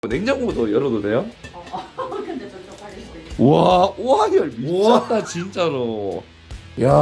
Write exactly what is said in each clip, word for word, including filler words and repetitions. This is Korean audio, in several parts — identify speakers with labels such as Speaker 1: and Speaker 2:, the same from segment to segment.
Speaker 1: 냉장고도 열어도 돼요?
Speaker 2: 어, 어. 근데 좀 쪽팔릴 수도 있어.
Speaker 1: 와, 오한열 미쳤다 진짜로. 야,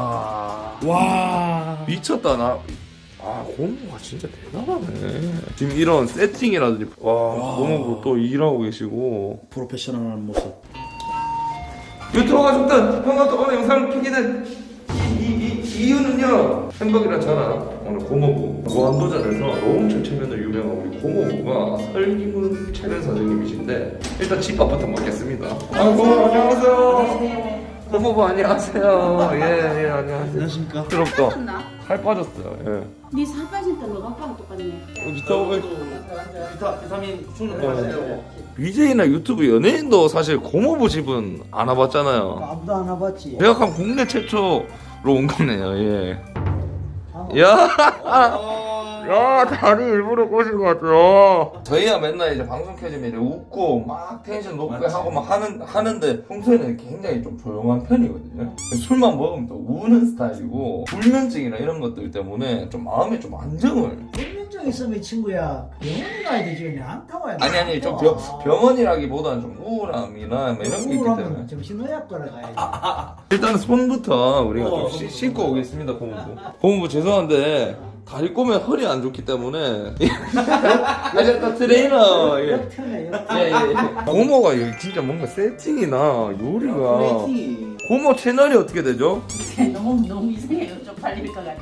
Speaker 3: 와.
Speaker 1: 미쳤다 나. 아, 고모가 진짜 대단하네. 지금 이런 세팅이라든지 와, 고모도 또 일하고 계시고.
Speaker 3: 프로페셔널한 모습.
Speaker 1: 유튜브 가족들, 형과 또 오늘 영상을 켜게 된 이, 이, 이, 이유는요. 햄버거랑 저랑 오늘 고모부 무한도전에서 노홍철 체면으로 유명한 우리 고모부가 설기문 체면 사장님이신데 일단 집밥부터 먹겠습니다. 아, 고모 안녕하세요. 고모부 안녕하세요. 예, 예, 안녕하세요.
Speaker 3: 안녕하십니까?
Speaker 1: 부럽다.
Speaker 2: 빠졌나?
Speaker 1: 살 빠졌어요. 예.
Speaker 2: 네살 빠질 때 너가 빵 똑같네.
Speaker 1: 비타민
Speaker 3: 비타, 비타민 충전하세요.
Speaker 1: 비제이나 유튜브 연예인도 사실 고모부 집은 안 와봤잖아요.
Speaker 4: 아무도 안 와봤지.
Speaker 1: 대학한 국내 최초로 온 거네요. 예. 야, 야, 다리 일부러 꼬신 것 같아요. 저희야 맨날 이제 방송 켜지면 이제 웃고 막 텐션 높게
Speaker 3: 맞지.
Speaker 1: 하고 막 하는 하는데 평소에는 굉장히 좀 조용한 편이거든요. 술만 먹으면 또 우는 스타일이고 불면증이나 이런 것들 때문에 좀 마음에 좀 안정을.
Speaker 4: 불면증 있으면 친구야 병원에 가야 되지 그냥 안 타와야 돼.
Speaker 1: 아니 아니 좀 병, 병원이라기보다는 좀 우울함이나 뭐 이런 게 있기 때문에.
Speaker 4: 우울하면 정신의학과를 가야지.
Speaker 1: 일단 손부터 우리가
Speaker 3: 어,
Speaker 1: 좀 씻- 씻고 오겠습니다, 고모부. 고모부 죄송한데 다리 꼬면 허리 안 좋기 때문에 아저씨 트레이너. 예.
Speaker 4: 역편해
Speaker 1: 예,
Speaker 4: 역편.
Speaker 1: 예, 예. 고모가 여기 진짜 뭔가 세팅이나 요리가
Speaker 3: 플레이팅.
Speaker 1: 고모 채널이 어떻게 되죠?
Speaker 2: 너무 너무 이상해요. 쪽팔릴 것 같아.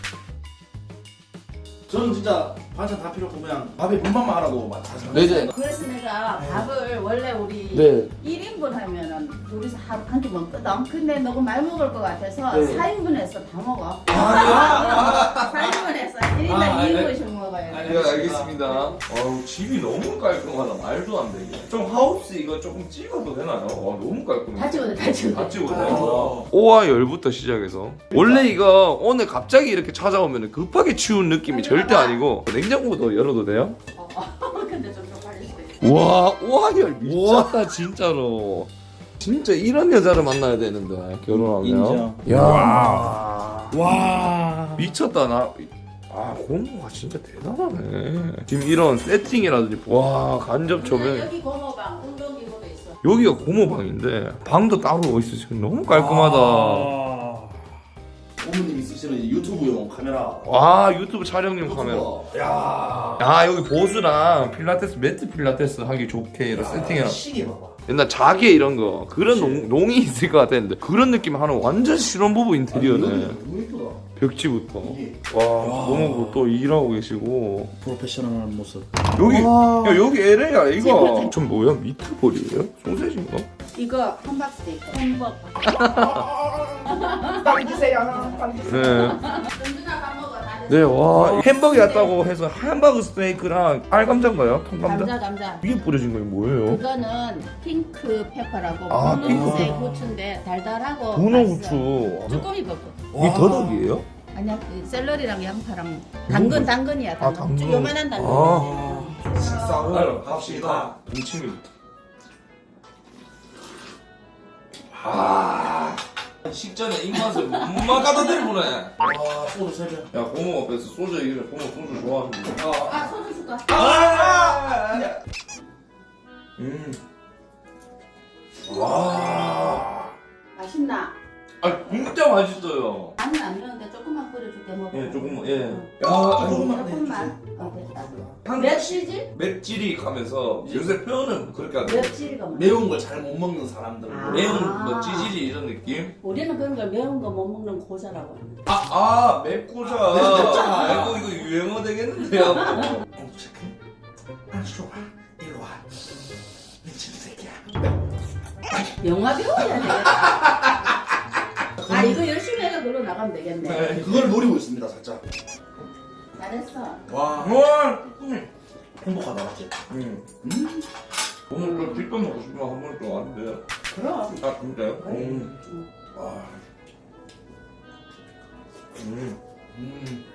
Speaker 3: 저는 진짜 반찬 다 필요 없고 그냥 밥에 분만만 하라고 막 다.
Speaker 1: 네, 이제
Speaker 2: 그래서 내가 밥을 원래 우리
Speaker 1: 네.
Speaker 2: 일 인분 하면은 둘이서 하루 한 끼 먹거든. 근데 너가 많이 먹을 것 같아서
Speaker 1: 네.
Speaker 2: 사 인분해서 다 먹어.
Speaker 3: 아,
Speaker 2: 사 인분해서 일 인당
Speaker 3: 아,
Speaker 2: 이
Speaker 3: 아,
Speaker 2: 인분씩 먹어요.
Speaker 3: 아,
Speaker 1: 네, 알겠습니다. 어우, 집이 너무 깔끔하다. 말도 안 되게. 좀 하우스 이거 조금 찍어도 되나요? 와, 너무 깔끔해.
Speaker 2: 다 찍어도 다 찍어도
Speaker 1: 다
Speaker 2: 돼.
Speaker 1: 찍어도 오와 열부터 시작해서 원래 이거 오늘 갑자기 이렇게 찾아오면 급하게 치운 느낌이 절대 아니고 냉장고도 열어도 돼요?
Speaker 2: 어, 어. 근데 좀 쪽팔릴 수도 있어.
Speaker 1: 와, 오한열 미쳤다 진짜로. 진짜 이런 여자를 만나야 되는데 결혼하면.
Speaker 3: 인정.
Speaker 1: 야,
Speaker 3: 와.
Speaker 1: 미쳤다 나. 아, 고모가 진짜 대단하네. 지금 이런 세팅이라든지 와 간접 조명.
Speaker 2: 여기 고모방 운동기구도 있어.
Speaker 1: 여기가 고모방인데 방도 따로 있으시고 너무 깔끔하다.
Speaker 3: 아. 어머님 있으시는 이제 유튜브용 카메라.
Speaker 1: 와, 유튜브 촬영용 카메라.
Speaker 3: 야.
Speaker 1: 아, 여기 보수랑 필라테스 매트 필라테스 하기 좋게 이런 세팅이랑
Speaker 3: 시계 봐봐.
Speaker 1: 옛날 자개 이런 거 그런 농, 농이 있을 것 같았는데 그런 느낌 하는 완전 실혼부부 인테리어네.
Speaker 3: 너무 예쁘다.
Speaker 1: 벽지부터.
Speaker 3: 이게
Speaker 1: 와, 고모부 또 일하고 계시고.
Speaker 3: 프로페셔널한 모습.
Speaker 1: 여기
Speaker 4: 와.
Speaker 1: 야, 여기 엘에이야 이거. 전 뭐야, 미트볼이에요? 소세지인가?
Speaker 2: 이거 함박스테이크. 햄버거.
Speaker 4: 빨리 주세요. 빨리 주세요.
Speaker 1: 네.
Speaker 2: 은준아 밥 먹어. 다 됐어.
Speaker 1: 네, 와, 햄버거 왔다고 해서 hamburger 스테이크랑 알감자인가요? 통감자?
Speaker 2: 감자 감자.
Speaker 1: 위에 뿌려진 건 뭐예요?
Speaker 2: 이거는 핑크 페퍼라고
Speaker 1: 아,
Speaker 2: 분홍색
Speaker 1: 핑크.
Speaker 2: 후추인데 달달하고
Speaker 1: 분홍
Speaker 2: 맛있어.
Speaker 1: 후추.
Speaker 2: 쭈꾸미 버거.
Speaker 1: 이 더덕이에요?
Speaker 2: 아니야, 그 샐러리랑 양파랑 당근 당근이야. 당근.
Speaker 1: 아, 당근.
Speaker 2: 요만한 당근.
Speaker 1: 아.
Speaker 3: 식사로 갑시다.
Speaker 1: 동치미부터. 아, 식전에 입맛을 못 막아다들 보네.
Speaker 3: 와, 소주 세 병.
Speaker 1: 야, 고모 앞에서 소주 얘기를 고모 소주 좋아하는데.
Speaker 2: 아, 소주 줄까?
Speaker 1: 아, 음. 와.
Speaker 2: 맛있나?
Speaker 1: 아, 진짜 맛있어요.
Speaker 2: 나는 안 매운데 조금만 뿌려줄게 먹어.
Speaker 1: 예, 조금만, 예.
Speaker 2: 응.
Speaker 1: 야,
Speaker 3: 조금만.
Speaker 2: 조금만. 어, 됐다.
Speaker 1: 한
Speaker 2: 맵찔질?
Speaker 1: 맵찔이 가면서 요새 표현은 그렇게 하죠.
Speaker 2: 맵찔이가 뭐야?
Speaker 3: 매운 걸 잘 못 먹는 사람들은
Speaker 2: 아.
Speaker 1: 매운 뭐 찌질이 이런 느낌?
Speaker 2: 우리는 그런 걸 매운 거 못 먹는 고자라고.
Speaker 1: 아, 아, 맵고자. 아이고, 이거 유행어 되겠는데요?
Speaker 3: 어, 체크. 아주 좋아. 일로 와. 미친 새끼야.
Speaker 2: 영화 배워야 돼. 아, 이거 열심히 해서 놀러 나가면 되겠네.
Speaker 1: 네.
Speaker 3: 그걸 노리고 있습니다, 살짝.
Speaker 2: 잘했어.
Speaker 3: 와.
Speaker 1: 와, 음.
Speaker 3: 행복하다, 맞지?
Speaker 1: 음.
Speaker 3: 음.
Speaker 1: 오늘 또 뒷밥 먹고 싶으면 한 번 또 왔는데.
Speaker 2: 그럼.
Speaker 1: 아, 진짜요?
Speaker 2: 그래.
Speaker 1: 음.
Speaker 2: 응.
Speaker 1: 와. 음.
Speaker 3: 음.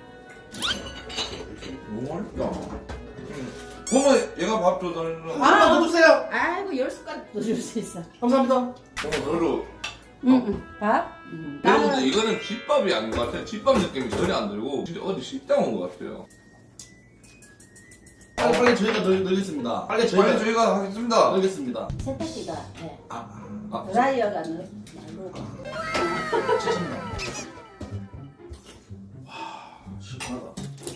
Speaker 1: 너무 맛있다. 음. 고모, 얘가 밥 줘달라고.
Speaker 3: 아, 더 주세요.
Speaker 2: 아이고, 열 숟가락도 줄 수 있어.
Speaker 3: 감사합니다.
Speaker 1: 고모, 너로.
Speaker 2: 응, 응. 밥? 응.
Speaker 1: 여러분들,
Speaker 2: 나는
Speaker 1: 이거는 집밥이 아닌 것 같아요. 집밥 느낌이 전혀 안 들고, 진짜 어디 식당 온 것 같아요.
Speaker 3: 빨리 빨리 저희가 늘, 늘겠습니다. 빨리 저희가
Speaker 1: 빨리 저희가 하겠습니다.
Speaker 3: 늘겠습니다.
Speaker 2: 세탁기가 네.
Speaker 3: 아,
Speaker 1: 아,
Speaker 2: 드라이어가 늘 말고.
Speaker 3: 죄송합니다. 와, 시원하다.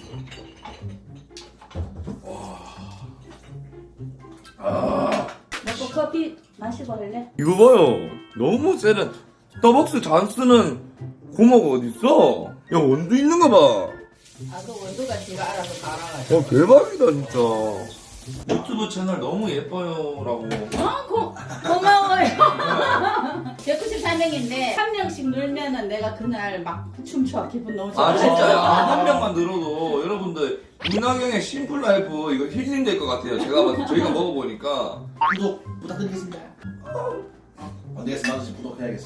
Speaker 2: 먹고 커피 마시고 할래?
Speaker 1: 이거 봐요. 너무 세는 스타벅스 잔스는 고모가 어딨어? 야, 원두 있는가 봐.
Speaker 2: 아, 그 원두가 지가 알아서 다 알아가지고.
Speaker 1: 와, 대박이다, 진짜. 유튜브 채널 너무 예뻐요라고.
Speaker 2: 어, 고, 고마워요. 백구십사 명인데 한 명씩 늘면은 내가 그날 막 춤춰. 기분 너무 좋아.
Speaker 1: 아, 진짜요? 한 명만 늘어도 여러분들 이낙영의 심플 라이프 이거 힐링 될 것 같아요. 제가 봐서 저희가 먹어보니까.
Speaker 3: 구독 부탁드리겠습니다. 안 되겠어, 나도 지금 구독해야겠어.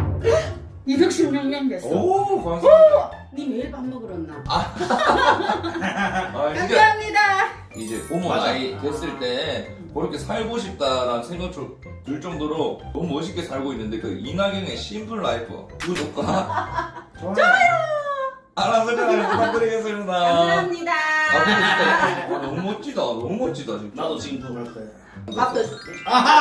Speaker 2: 이백십육 명 됐어.
Speaker 1: 오, 감사합니다.
Speaker 2: 니 매일 밥 먹으러 나.
Speaker 1: 아, 이제,
Speaker 2: 감사합니다.
Speaker 1: 이제 고모
Speaker 3: 맞아.
Speaker 1: 나이 됐을 때 그렇게 살고 싶다라는 생각 들 정도로 너무 멋있게 살고 있는데 그 이낙영의 심플 라이프 구독과
Speaker 3: 좋아요.
Speaker 1: 알람 설정을 부탁드리겠습니다.
Speaker 2: 감사합니다.
Speaker 1: 아, 근데 진짜 와, 너무 멋지다. 너무 멋지다, 진짜.
Speaker 3: 나도 지금 구독할 거야.
Speaker 2: 밥도 줄게.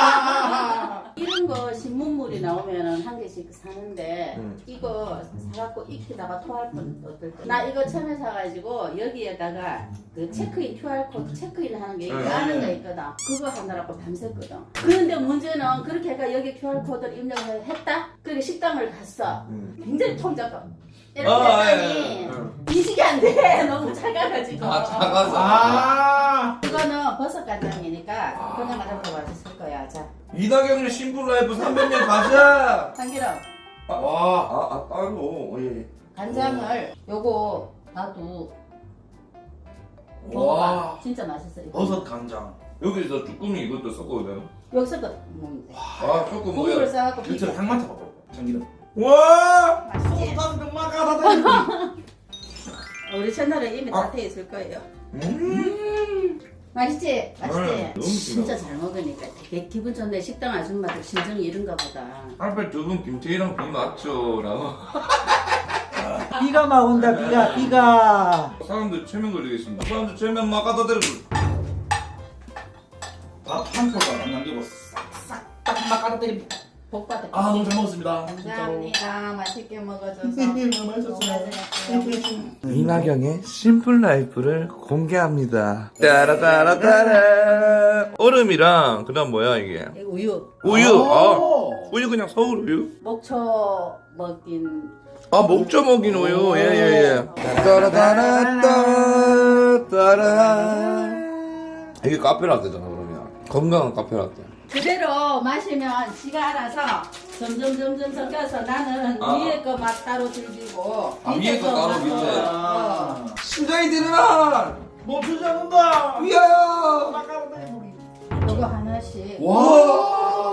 Speaker 2: 이런 거 신문물이 나오면은 한 개씩 사는데
Speaker 1: 음.
Speaker 2: 이거 사갖고 익히다가 토할 뻔 어떨 때. 나 이거 처음에 사가지고 여기에다가 그 체크인 큐알 코드 체크인 하는 게 이거
Speaker 1: 음.
Speaker 2: 하는 거 있거든. 그거 하느라고 밤샜거든. 그런데 문제는 그렇게 해가 여기 큐알 코드를 입력을 했다. 그리고 식당을 갔어.
Speaker 1: 음.
Speaker 2: 굉장히 통작업. 이렇게
Speaker 1: 아,
Speaker 2: 했더니
Speaker 1: 예, 예, 예.
Speaker 2: 인식이 안 돼. 너무 작아가지고.
Speaker 1: 아, 작아서.
Speaker 3: 아,
Speaker 2: 이거는 버섯 간장이니까 그냥 맞아서 맛있을 거야. 자,
Speaker 1: 이낙영의 심플 라이프 삼백 년 가자.
Speaker 2: 참기름.
Speaker 1: 아, 와, 아, 아 따로. 어, 예.
Speaker 2: 간장을 요거 놔도
Speaker 3: 와.
Speaker 2: 먹어봐. 진짜 맛있어. 이거.
Speaker 3: 버섯 간장.
Speaker 1: 여기서 쭈꾸미 이것도 섞어도 되나?
Speaker 2: 여기서 거 먹는데.
Speaker 1: 아, 조금
Speaker 2: 국물을
Speaker 1: 뭐야?
Speaker 2: 싸갖고
Speaker 3: 진짜
Speaker 2: 비벼.
Speaker 3: 향 맡아봐. 참기름.
Speaker 1: 와!
Speaker 2: 맛있지?
Speaker 3: 병마가
Speaker 2: 우리 채널에 이미
Speaker 1: 아.
Speaker 2: 다 돼 있을 거예요.
Speaker 1: 음.
Speaker 2: 맛있지? 맛있지?
Speaker 1: 네, 너무
Speaker 2: 진짜
Speaker 1: 진하다.
Speaker 2: 잘 먹으니까 되게 기분 좋네. 식당 아줌마들 심정이 이런가 보다.
Speaker 1: 앞에 두 분 김태희랑 비 맞죠? 라고.
Speaker 4: 비가 막 온다 비가 비가.
Speaker 1: 사람들 최면 걸리겠습니다. 사람들 최면 막 갖다 대고.
Speaker 3: 밥한 포도 안 남기고 싹싹 딱막 깔아 때리.
Speaker 2: 복 받을
Speaker 3: 아, 너무 잘 먹었습니다. 진짜로.
Speaker 2: 감사합니다. 맛있게 먹어줘서.
Speaker 3: 너무 맛있었어요.
Speaker 1: 이낙영의 심플 라이프를 공개합니다. 따라따라따라. 얼음이랑 그다음 뭐야 이게?
Speaker 2: 이거 우유.
Speaker 1: 우유. 아,
Speaker 3: 오.
Speaker 1: 우유 그냥 서울 우유?
Speaker 2: 목초 먹인
Speaker 1: 아, 목조 먹인 우유. 예, 예, 예. 따라따라따 따라. 이게 카페라떼잖아, 그러면. 건강한 카페라떼.
Speaker 2: 그대로 마시면 지가 알아서 점점 점점 섞여서 나는
Speaker 1: 아.
Speaker 2: 위에 거 맛 따로 즐기고
Speaker 1: 아,
Speaker 2: 밑에
Speaker 1: 위에 거 따로
Speaker 2: 맛
Speaker 1: 밑에.
Speaker 2: 어.
Speaker 1: 심장이 뛰는아!
Speaker 3: 멈추지 않는다.
Speaker 1: 위하여!
Speaker 2: 이거 하나씩
Speaker 1: 와!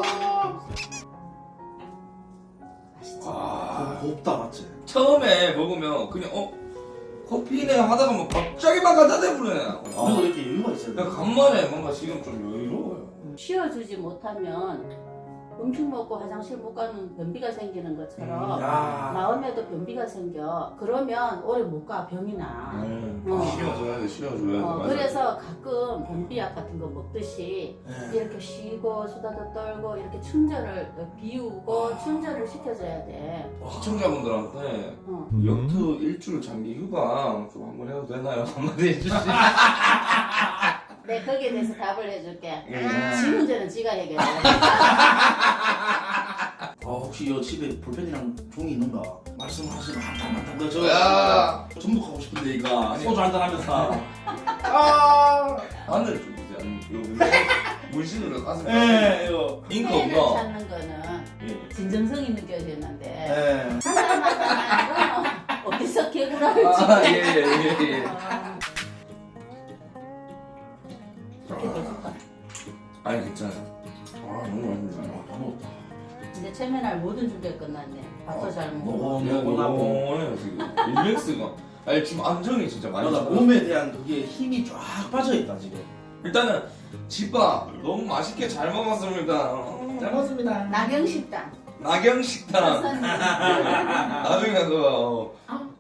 Speaker 2: 맛있지?
Speaker 1: 아,
Speaker 3: 곱다 맞지?
Speaker 1: 처음에 먹으면 그냥 어? 커피네 하다가 뭐 갑자기 막 갖다 대부네.
Speaker 3: 그리고
Speaker 1: 아,
Speaker 3: 이렇게 여유가 있어야 돼.
Speaker 1: 그냥 간만에 뭔가 지금 좀 여유로워요.
Speaker 2: 쉬어주지 못하면 음식 먹고 화장실 못 가는 변비가 생기는 것처럼
Speaker 3: 야.
Speaker 2: 마음에도 변비가 생겨. 그러면 오래 못 가. 병이 나.
Speaker 1: 음,
Speaker 2: 어.
Speaker 1: 쉬어줘야 돼, 쉬어줘야 돼.
Speaker 2: 어,
Speaker 1: 맞아.
Speaker 2: 그래서 가끔 변비약 같은 거 먹듯이
Speaker 3: 네.
Speaker 2: 이렇게 쉬고 수다도 떨고 이렇게 충전을 비우고 충전을 시켜줘야 돼.
Speaker 1: 시청자분들한테
Speaker 2: 어.
Speaker 1: 역투 일주일 장기 휴가 좀 한번 해도 되나요? 한마디 해주시.
Speaker 2: 네, 거기에 대해서 답을 해줄게.
Speaker 1: 예.
Speaker 2: 지 문제는 지가 해결해.
Speaker 3: 아, 혹시 이 집에 볼펜이랑 종이 있는가? 말씀하시면 한탄 한탄 더 저.
Speaker 1: 야.
Speaker 3: 전복하고 싶은데 이거 소주 한잔 하면서. 아.
Speaker 1: 하늘 좀 이제 안 이거 문신으로 가슴.
Speaker 3: 예, 이거.
Speaker 1: 잉크
Speaker 2: 팬을
Speaker 1: 없나?
Speaker 2: 찾는 거는
Speaker 1: 예.
Speaker 2: 진정성이 느껴지는데
Speaker 3: 예.
Speaker 2: 한 사람마다 어디서 개구라를
Speaker 1: 아,
Speaker 2: 치게.
Speaker 1: 예, 예, 예, 예.
Speaker 2: 이렇게 해줄까?
Speaker 1: 아니 괜찮아요. 아 너무 맛있네.
Speaker 3: 아, 다 먹었다.
Speaker 2: 이제 체면할 모든 준비가 끝났네. 밥도 잘 먹고.
Speaker 3: 먹어,
Speaker 1: 그냥
Speaker 3: 먹고 나고.
Speaker 1: 너무해요 지금. 일렉스가. 아니 지금 안정이 진짜 많이
Speaker 3: 맞아,
Speaker 1: 잡아요.
Speaker 3: 몸에 대한 그게 힘이 쫙 빠져있다 지금.
Speaker 1: 일단은 집밥 너무 맛있게 잘 먹었습니다. 어,
Speaker 3: 잘 먹었습니다.
Speaker 2: 나경식당.
Speaker 1: 나경식당.
Speaker 2: 선생님.
Speaker 1: 나중에 그 어,
Speaker 2: 아,